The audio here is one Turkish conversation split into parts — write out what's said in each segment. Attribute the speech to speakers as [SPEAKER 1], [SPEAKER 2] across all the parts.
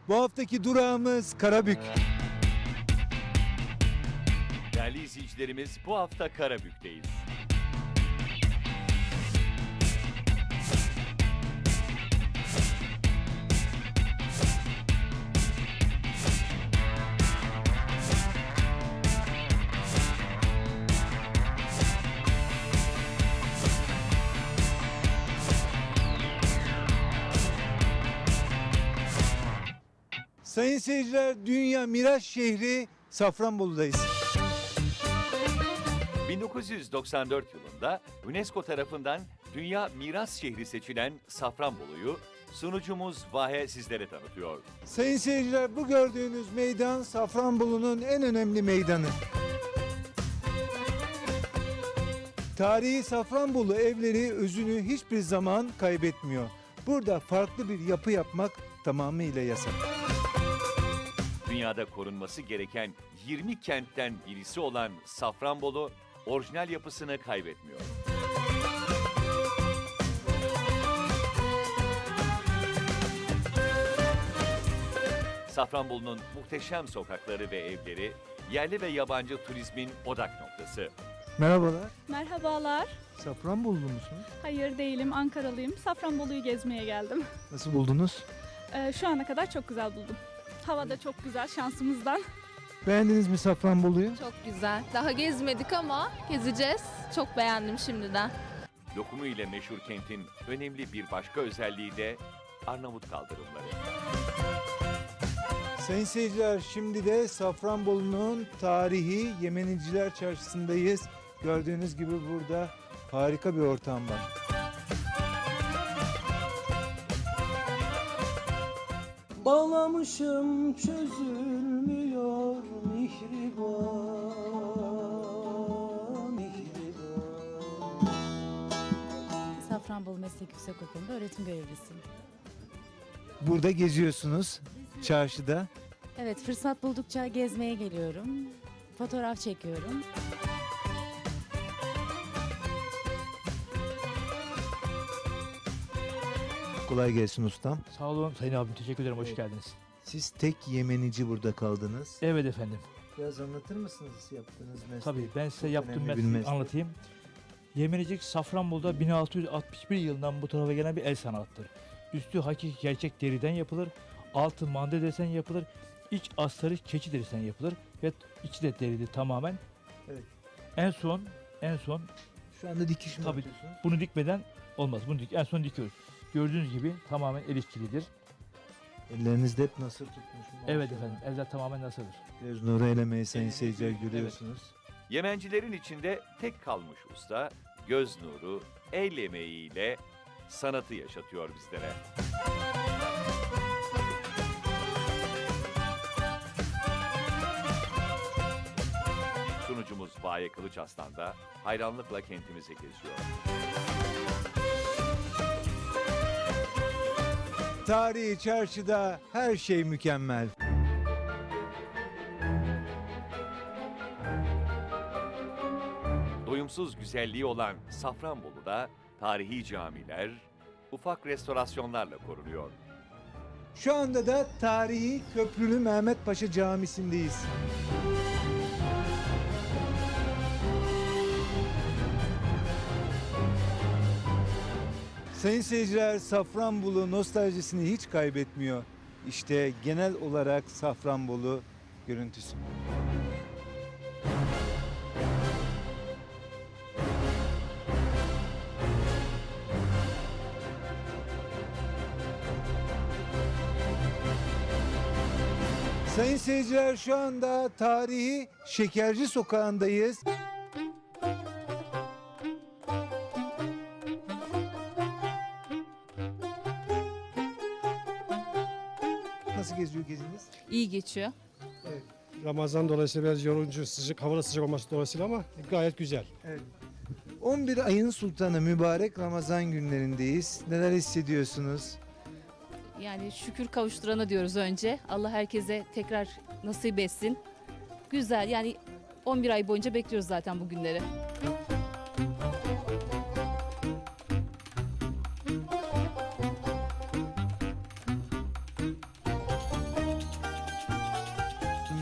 [SPEAKER 1] Bu haftaki durağımız Karabük.
[SPEAKER 2] Değerli izleyicilerimiz, bu hafta Karabük'teyiz.
[SPEAKER 1] Sayın seyirciler, Dünya Miras Şehri Safranbolu'dayız.
[SPEAKER 2] 1994 yılında UNESCO tarafından Dünya Miras Şehri seçilen Safranbolu'yu sunucumuz Vahe sizlere tanıtıyor.
[SPEAKER 1] Sayın seyirciler, bu gördüğünüz meydan Safranbolu'nun en önemli meydanı. Tarihi Safranbolu evleri özünü hiçbir zaman kaybetmiyor. Burada farklı bir yapı yapmak tamamıyla yasak.
[SPEAKER 2] Dünyada korunması gereken 20 kentten birisi olan Safranbolu, orijinal yapısını kaybetmiyor. Safranbolu'nun muhteşem sokakları ve evleri, yerli ve yabancı turizmin odak noktası.
[SPEAKER 1] Merhabalar.
[SPEAKER 3] Merhabalar.
[SPEAKER 1] Safranbolulu musunuz?
[SPEAKER 3] Hayır değilim, Ankaralıyım. Safranbolu'yu gezmeye geldim.
[SPEAKER 1] Nasıl buldunuz?
[SPEAKER 3] Şu ana kadar çok güzel buldum. Hava da çok güzel şansımızdan.
[SPEAKER 1] Beğendiniz mi Safranbolu'yu?
[SPEAKER 4] Çok güzel. Daha gezmedik ama gezeceğiz. Çok beğendim şimdiden.
[SPEAKER 2] Lokumu ile meşhur kentin önemli bir başka özelliği de Arnavut kaldırımları.
[SPEAKER 1] Sayın seyirciler, şimdi de Safranbolu'nun tarihi Yemeniciler Çarşısı'ndayız. Gördüğünüz gibi burada harika bir ortam var.
[SPEAKER 5] Bağlamışım çözülmüyor mihriban, mihriban.
[SPEAKER 6] Safranbolu Meslek Yüksekokulu'nda öğretim görevlisiyim.
[SPEAKER 1] Burada geziyorsunuz çarşıda.
[SPEAKER 6] Evet, fırsat buldukça gezmeye geliyorum. Fotoğraf çekiyorum.
[SPEAKER 1] Kolay gelsin ustam.
[SPEAKER 7] Sağ olun Sayın abim, teşekkür ederim, hoş geldiniz.
[SPEAKER 1] Siz tek Yemenici burada kaldınız.
[SPEAKER 7] Evet efendim,
[SPEAKER 1] Biraz anlatır mısınız yaptığınız mesleği?
[SPEAKER 7] tabii ben size
[SPEAKER 1] Çok
[SPEAKER 7] yaptığım
[SPEAKER 1] önemli bir
[SPEAKER 7] mesleği
[SPEAKER 1] meslek.
[SPEAKER 7] anlatayım. Yemenecik Safranbolu'da 1661 yılından bu tarafa gelen bir el sanatıdır. Üstü hakiki gerçek deriden yapılır, altı mande desen yapılır, iç astarı keçi derisinden yapılır ve içi de deridir tamamen.
[SPEAKER 1] Evet.
[SPEAKER 7] En son
[SPEAKER 1] Şu anda dikiş mi
[SPEAKER 7] Tabii.
[SPEAKER 1] yapıyorsunuz?
[SPEAKER 7] bunu dikmeden olmaz. En son dikiyoruz. Gördüğünüz gibi tamamen el işçiliğidir.
[SPEAKER 1] Ellerinizde hep nasır tutmuş.
[SPEAKER 7] Evet
[SPEAKER 1] maşallah.
[SPEAKER 7] efendim, eller tamamen nasıldır.
[SPEAKER 1] Göz nuru elemeyi sayın seyirciler görüyorsunuz.
[SPEAKER 2] Yemencilerin içinde tek kalmış usta, göz nuru, el emeğiyle sanatı yaşatıyor bizlere. Sunucumuz Vahe Kılıçarslan da hayranlıkla kentimizi geziyor.
[SPEAKER 1] Tarihi çarşıda her şey mükemmel.
[SPEAKER 2] Doyumsuz güzelliği olan Safranbolu'da tarihi camiler, ufak restorasyonlarla korunuyor.
[SPEAKER 1] Şu anda da tarihi Köprülü Mehmet Paşa Camisi'ndeyiz. Sayın seyirciler, Safranbolu nostaljisini hiç kaybetmiyor. İşte genel olarak Safranbolu görüntüsü. Sayın seyirciler, şu anda tarihi Şekerci Sokağı'ndayız. Nasıl geziyor geziniz?
[SPEAKER 4] İyi geçiyor.
[SPEAKER 8] Ramazan dolayısıyla biraz yorucu, sıcak, hava da sıcak olması dolayısıyla ama gayet güzel.
[SPEAKER 1] 11 ayın sultanı mübarek Ramazan günlerindeyiz. Neler hissediyorsunuz?
[SPEAKER 4] Yani şükür kavuşturana diyoruz önce. Allah herkese tekrar nasip etsin. Güzel, yani 11 ay boyunca bekliyoruz zaten bu günleri.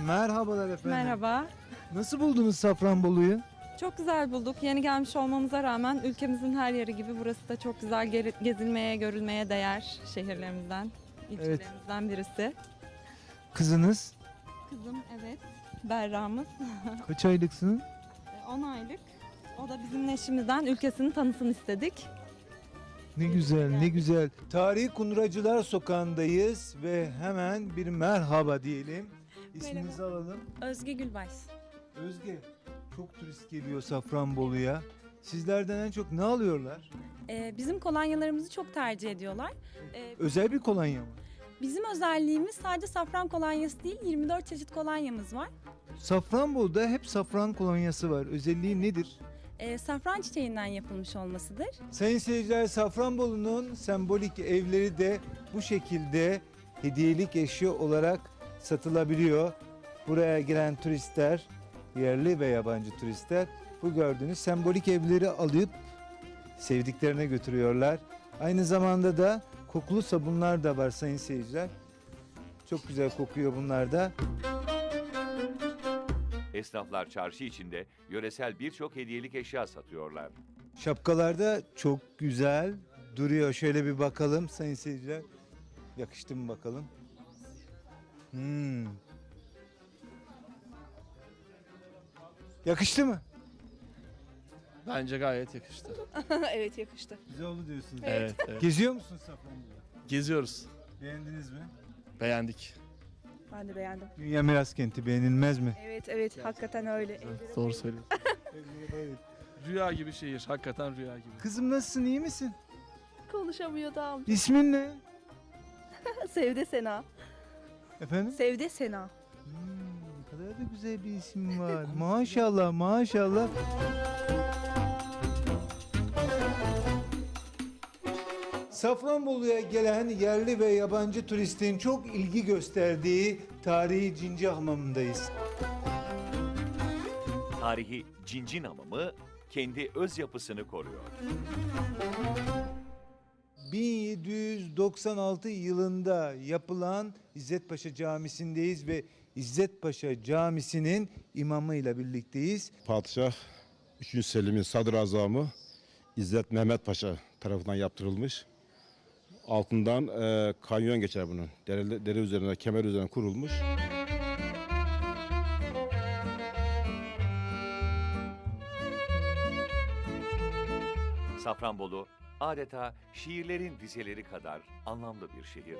[SPEAKER 1] Merhabalar efendim.
[SPEAKER 9] Merhaba.
[SPEAKER 1] Nasıl buldunuz Safranbolu'yu?
[SPEAKER 9] Çok güzel bulduk. Yeni gelmiş olmamıza rağmen ülkemizin her yeri gibi burası da çok güzel gezilmeye, görülmeye değer şehirlerimizden, ilçelerimizden birisi.
[SPEAKER 1] Kızınız
[SPEAKER 9] Kızım evet, Berra'mız.
[SPEAKER 1] kaç aylıksınız?
[SPEAKER 9] 10 aylık. O da bizim eşimizden ülkesini tanısın istedik.
[SPEAKER 1] Ne güzel, ne güzel. Tarihi Kunduracılar Sokağı'ndayız ve hemen bir merhaba diyelim. İsminizi alalım.
[SPEAKER 10] Özge Gülbaş.
[SPEAKER 1] Özge, çok turist geliyor Safranbolu'ya. Sizlerden en çok ne alıyorlar?
[SPEAKER 10] Bizim kolonyalarımızı çok tercih ediyorlar.
[SPEAKER 1] Özel bir kolonya mı?
[SPEAKER 10] Bizim özelliğimiz sadece safran kolonyası değil, 24 çeşit kolonyamız var.
[SPEAKER 1] Safranbolu'da hep safran kolonyası var. Özelliği nedir?
[SPEAKER 10] Safran çiçeğinden yapılmış olmasıdır.
[SPEAKER 1] Sayın seyirciler, Safranbolu'nun sembolik evleri de bu şekilde hediyelik eşya olarak satılabiliyor. Buraya gelen turistler, yerli ve yabancı turistler bu gördüğünüz sembolik evleri alıp sevdiklerine götürüyorlar. Aynı zamanda da kokulu sabunlar da var sayın seyirciler. Çok güzel kokuyor bunlar da.
[SPEAKER 2] Esnaflar çarşı içinde yöresel birçok hediyelik eşya satıyorlar.
[SPEAKER 1] Şapkalar da çok güzel duruyor. Şöyle bir bakalım sayın seyirciler. Yakıştı mı bakalım? Yakıştı mı?
[SPEAKER 5] Bence gayet yakıştı.
[SPEAKER 3] Evet yakıştı.
[SPEAKER 1] Güzel oldu diyorsunuz.
[SPEAKER 5] Evet, evet.
[SPEAKER 1] Geziyor musun Safranbolu'da?
[SPEAKER 5] Geziyoruz.
[SPEAKER 1] Beğendiniz mi?
[SPEAKER 5] Beğendik.
[SPEAKER 3] Ben de beğendim.
[SPEAKER 1] Dünya Miras Kenti beğenilmez mi?
[SPEAKER 3] Evet hakikaten öyle.
[SPEAKER 5] Doğru söylüyorsun. Rüya gibi şehir. Hakikaten rüya gibi.
[SPEAKER 1] Kızım nasılsın, iyi misin?
[SPEAKER 3] Konuşamıyor da amca.
[SPEAKER 1] İsmin ne?
[SPEAKER 3] Sevde Sena.
[SPEAKER 1] Efendim?
[SPEAKER 3] Sevde Sena.
[SPEAKER 1] Ne kadar da güzel bir isim var. Maşallah, maşallah. Safranbolu'ya gelen yerli ve yabancı turistin çok ilgi gösterdiği tarihi Cinci Hamamı'ndayız.
[SPEAKER 2] Tarihi Cincin Hamamı kendi öz yapısını koruyor.
[SPEAKER 1] 1796 yılında yapılan İzzet Paşa Camisi'ndeyiz ve İzzet Paşa Camisi'nin imamıyla birlikteyiz.
[SPEAKER 11] Padişah 3. Selim'in sadrazamı İzzet Mehmet Paşa tarafından yaptırılmış. Altından kanyon geçer bunun. Dere üzerine, kemer üzerine kurulmuş.
[SPEAKER 2] Safranbolu adeta şiirlerin dizeleri kadar anlamlı bir şehir.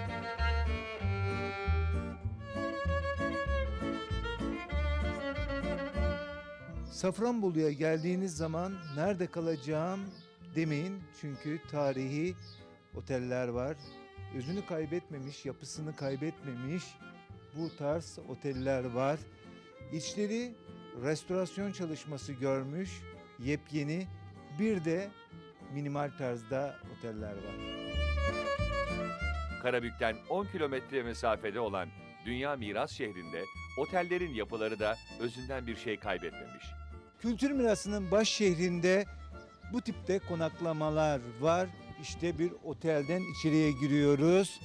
[SPEAKER 1] Safranbolu'ya geldiğiniz zaman nerede kalacağım demeyin. Çünkü tarihi oteller var. Özünü kaybetmemiş, yapısını kaybetmemiş bu tarz oteller var. İçleri restorasyon çalışması görmüş, yepyeni bir de minimal tarzda oteller var.
[SPEAKER 2] Karabük'ten 10 kilometre mesafede olan Dünya Miras şehrinde otellerin yapıları da özünden bir şey kaybetmemiş.
[SPEAKER 1] Kültür mirasının baş şehrinde bu tipte konaklamalar var. İşte bir otelden içeriye giriyoruz.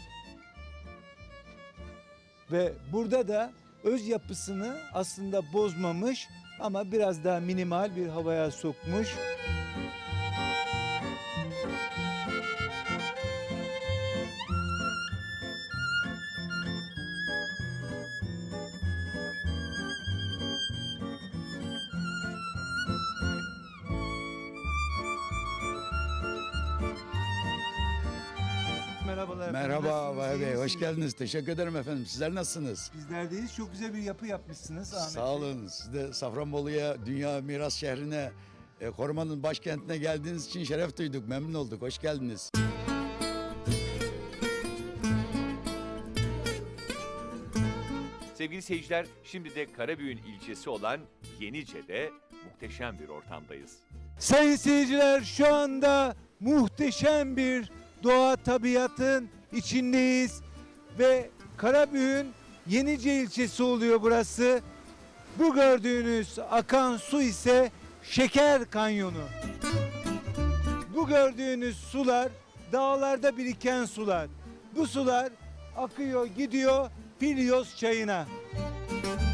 [SPEAKER 1] Ve burada da öz yapısını aslında bozmamış ama biraz daha minimal bir havaya sokmuş. Merhabalar.
[SPEAKER 12] Merhaba Vahap Bey, hoş
[SPEAKER 1] geldiniz.
[SPEAKER 12] geldiniz. Teşekkür ederim efendim. Sizler nasılsınız?
[SPEAKER 1] Bizlerdeyiz. Çok güzel bir yapı yapmışsınız Ahmet
[SPEAKER 12] Sağ
[SPEAKER 1] Bey.
[SPEAKER 12] olun. Siz de Safranbolu'ya, Dünya Miras Şehri'ne, korumanın başkentine geldiğiniz için şeref duyduk. Memnun olduk. Hoş geldiniz.
[SPEAKER 2] Sevgili seyirciler, şimdi de Karabük'ün ilçesi olan Yenice'de muhteşem bir ortamdayız.
[SPEAKER 1] Sayın seyirciler, şu anda muhteşem bir doğa tabiatın içindeyiz ve Karabük'ün Yenice ilçesi oluyor burası. Bu gördüğünüz akan su ise Şeker Kanyonu. Bu gördüğünüz sular dağlarda biriken sular. Bu sular akıyor gidiyor Filyos çayına.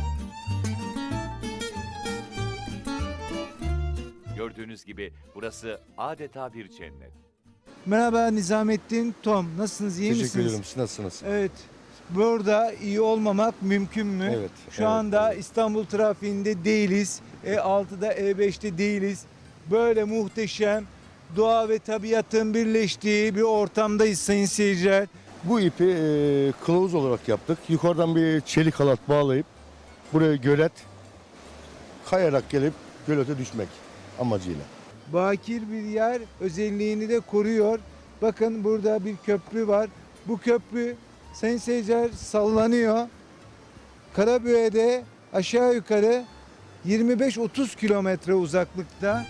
[SPEAKER 2] Gördüğünüz gibi burası adeta bir cennet.
[SPEAKER 1] Merhaba Nizamettin, Tom. Nasılsınız, iyi misiniz?
[SPEAKER 11] Teşekkür ederim. Siz nasılsınız?
[SPEAKER 1] Evet. Burada iyi olmamak mümkün mü?
[SPEAKER 11] Evet,
[SPEAKER 1] Şu
[SPEAKER 11] evet,
[SPEAKER 1] anda
[SPEAKER 11] evet.
[SPEAKER 1] İstanbul trafiğinde değiliz. E6'da, E5'te değiliz. Böyle muhteşem doğa ve tabiatın birleştiği bir ortamdayız sayın seyirciler.
[SPEAKER 11] Bu ipi kılavuz olarak yaptık. Yukarıdan bir çelik halat bağlayıp buraya gölet kayarak gelip gölete düşmek amacıyla.
[SPEAKER 1] Bakir bir yer özelliğini de koruyor. Bakın burada bir köprü var. Bu köprü sayın seyirciler sallanıyor. Karabük'e aşağı yukarı 25-30 kilometre uzaklıkta.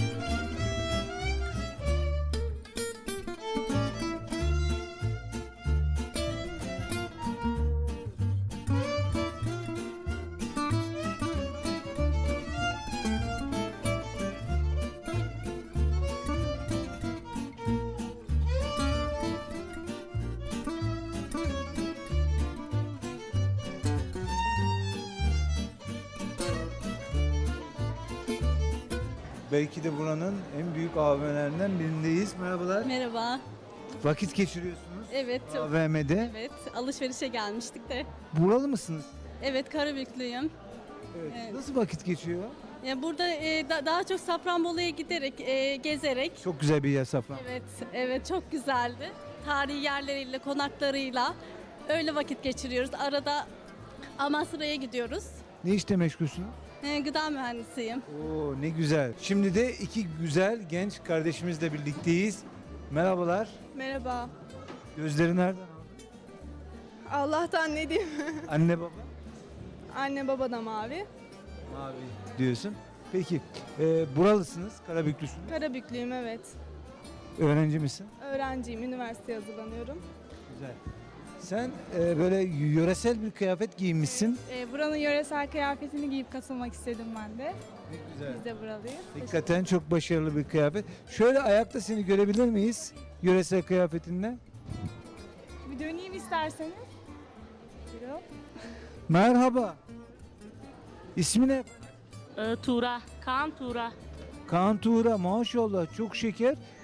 [SPEAKER 1] Belki de buranın en büyük AVM'lerinden birindeyiz. Merhabalar.
[SPEAKER 10] Merhaba.
[SPEAKER 1] Vakit geçiriyorsunuz
[SPEAKER 10] Evet,
[SPEAKER 1] AVM'de.
[SPEAKER 10] evet. Alışverişe gelmiştik de.
[SPEAKER 1] Buralı mısınız?
[SPEAKER 10] Evet, Karabüklüyüm.
[SPEAKER 1] Evet.
[SPEAKER 10] Evet.
[SPEAKER 1] Nasıl vakit geçiyor?
[SPEAKER 10] Ya burada daha çok Safranbolu'ya giderek, gezerek.
[SPEAKER 1] Çok güzel bir yer Safran.
[SPEAKER 10] Evet, evet çok güzeldi. Tarihi yerleriyle, konaklarıyla öyle vakit geçiriyoruz. Arada Amasra'ya gidiyoruz.
[SPEAKER 1] Ne işte meşgulsünüz?
[SPEAKER 10] Gıda mühendisiyim.
[SPEAKER 1] Oo ne güzel. Şimdi de iki güzel genç kardeşimizle birlikteyiz. Merhabalar.
[SPEAKER 9] Merhaba.
[SPEAKER 1] Gözleri nereden aldın?
[SPEAKER 9] Allah'tan ne diyeyim?
[SPEAKER 1] Anne baba?
[SPEAKER 9] Anne baba da mavi.
[SPEAKER 1] Mavi diyorsun. Peki buralısınız, Karabüklüsünüz.
[SPEAKER 9] Karabüklüyüm evet.
[SPEAKER 1] Öğrenci misin?
[SPEAKER 9] Öğrenciyim, üniversiteye hazırlanıyorum.
[SPEAKER 1] Güzel. Sen böyle yöresel bir kıyafet giymişsin.
[SPEAKER 10] Buranın yöresel kıyafetini giyip katılmak istedim ben de.
[SPEAKER 1] Ne güzel.
[SPEAKER 10] Biz de buralıyız.
[SPEAKER 1] Hakikaten çok başarılı bir kıyafet. Şöyle ayakta seni görebilir miyiz? Yöresel kıyafetinle.
[SPEAKER 10] Bir döneyim isterseniz. Buyurun.
[SPEAKER 1] Merhaba. İsmi ne?
[SPEAKER 10] Tuğra, Kaan Tuğra.
[SPEAKER 1] Kaan Tuğra, maşallah çok şeker.